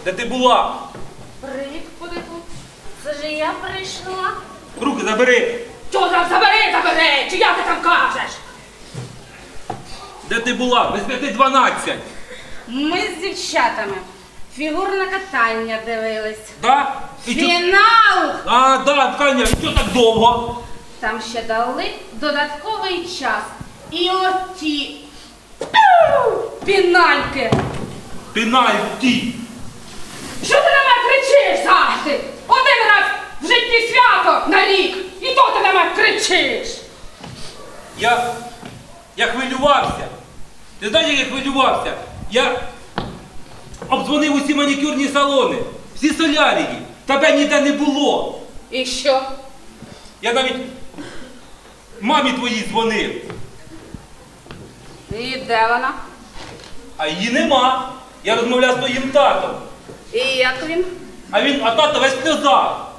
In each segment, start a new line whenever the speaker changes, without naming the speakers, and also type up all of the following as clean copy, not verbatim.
Де ти була?
Привіт, Кудику. Це ж я прийшла.
Руки забери.
Чого там забери? Чи як ти там кажеш?
Де ти була? Без 5:12.
Ми з дівчатами фігурне катання дивились.
Да? І чо-
Фінал!
А, да, Таня, і чого так довго?
Там ще дали додатковий час. І оті пінальки.
Пенальті.
Що ти на мене кричиш завжди? Один раз в житті свято на рік. І то ти на мене кричиш.
Я хвилювався. Ти знаєш, як я хвилювався? Я обдзвонив усі манікюрні салони, всі солярії. Тебе ніде не було.
І що?
Я навіть мамі твоїй дзвонив.
І де вона?
А її нема. Я розмовляв з твоїм татом.
І як він?
А тато весь в сльозах.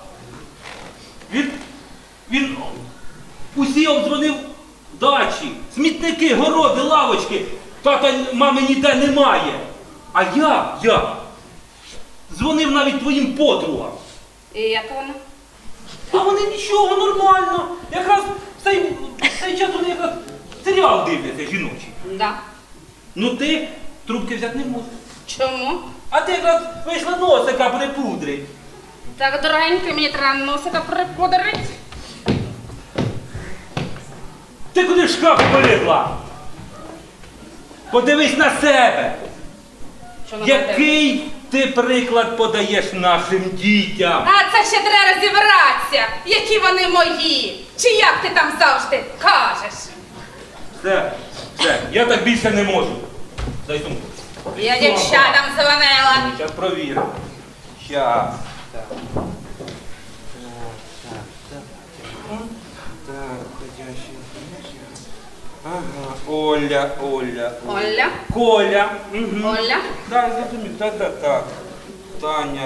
Він усі обдзвонив дачі, смітники, городи, лавочки. Тата, мами ніде немає. А я дзвонив навіть твоїм подругам.
І як вона?
А вони нічого, нормально. Якраз в цей час вони якраз серіал дивляться жіночий.
Да.
Ну ти трубки взяти не можеш.
Чому?
А ти якраз вийшла носика припудрить.
Так, дорогенький, мені треба носика припудрить.
Ти куди шкаф полізла? Подивись на себе.
Що на мене?
Який ти приклад подаєш нашим дітям?
А це ще треба розібратися, які вони мої. Чи як ти там завжди кажеш?
Все, я так більше не можу. Дай сумку.
Я дівчатам дзвонила.
Зараз провіримо. Щас. Так. Так, ходячий. Ага, Оля.
Оля?
Коля. Угу.
Оля?
Так, зрозумів. Так. Таня.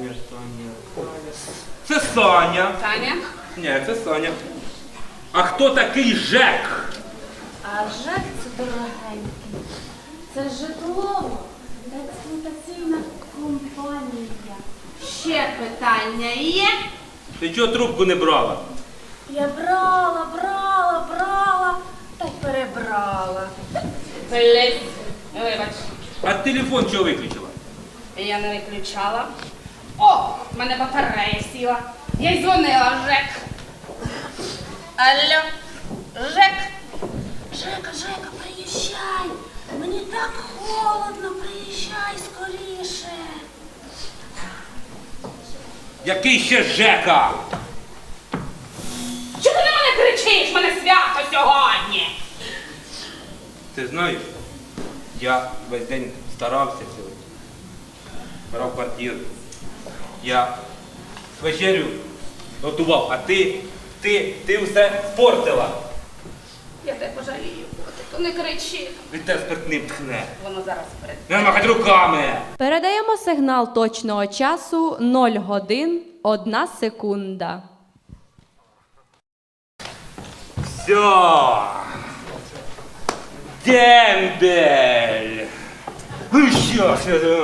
Це Саня.
Таня?
Ні, це Саня. А хто такий Жек?
А ЖЕК це дорогенький. Це житлово-експлуатаційна компанія. Ще питання є?
Ти чого трубку не брала?
Я брала, та й перебрала. Блять, вибач,
А телефон чого виключила?
я не виключала. О, в мене батарея сіла. Я й дзвонила в ЖЕК. Алло, ЖЕК. Жека, приїжджай. Мені так холодно, приїжджай скоріше.
Який ще Жека?
Чого ти на мене кричиш? Мене свято сьогодні.
Ти знаєш, я весь день старався сьогодні. Брав квартиру. Я вечерю готував, а ти все спортила.
Я тебе пожалію, котику, не кричи.
Від тебе спиртним тхне.
Воно зараз перед.
Не махать руками.
Передаємо сигнал точного часу 0 годин 1 секунда.
Все. Дембель. Ну що ж?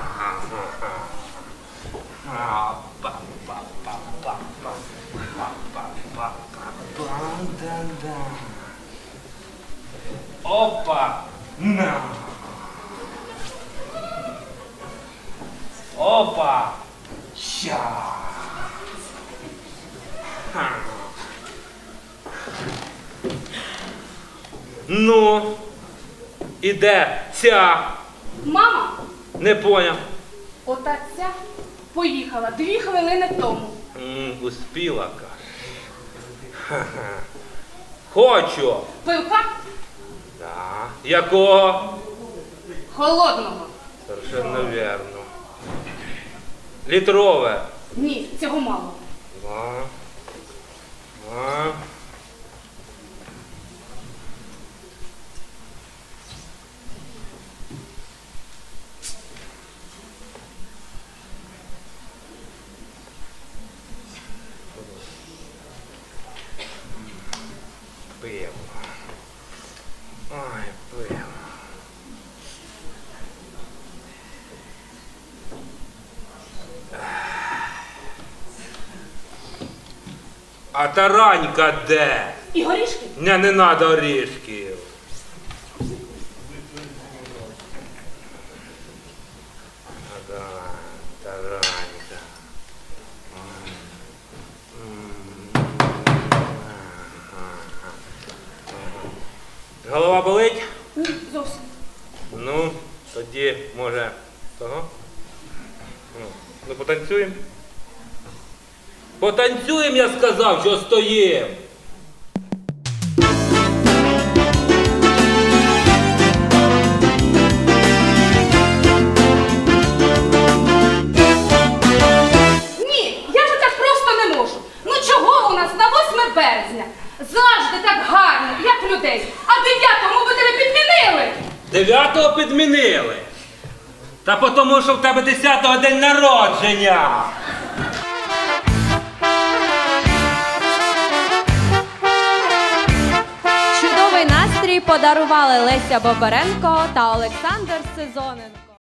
Опа! На! Опа! Ща! Ха. Ну, і де ця?
Мама,
Не поняв.
ота ця поїхала 2 хвилини тому.
Успіла, каже. Ха-ха. Хочу.
Пивка
Да. Якого?
холодного.
Совершенно верно. Літрове.
Ні, цього мало.
Два. Два. Пиво. Ой, пиво. А таранька де?
І горішки?
Не надо орішків. Ага, таранька. Голова болить?
Ні, зовсім.
Ну, тоді, може, того? Ну, потанцюємо. Потанцюємо, я сказав, що стоїм.
Ні, я ж так просто не можу. Ну чого у нас на 8 березня? Завжди так гарно, як людей. А 9-му ви тебе підмінили.
9-го підмінили. Та потому, що в тебе 10-го день народження.
Чудовий настрій подарували Леся Бобаренко та Олександр Сезонин.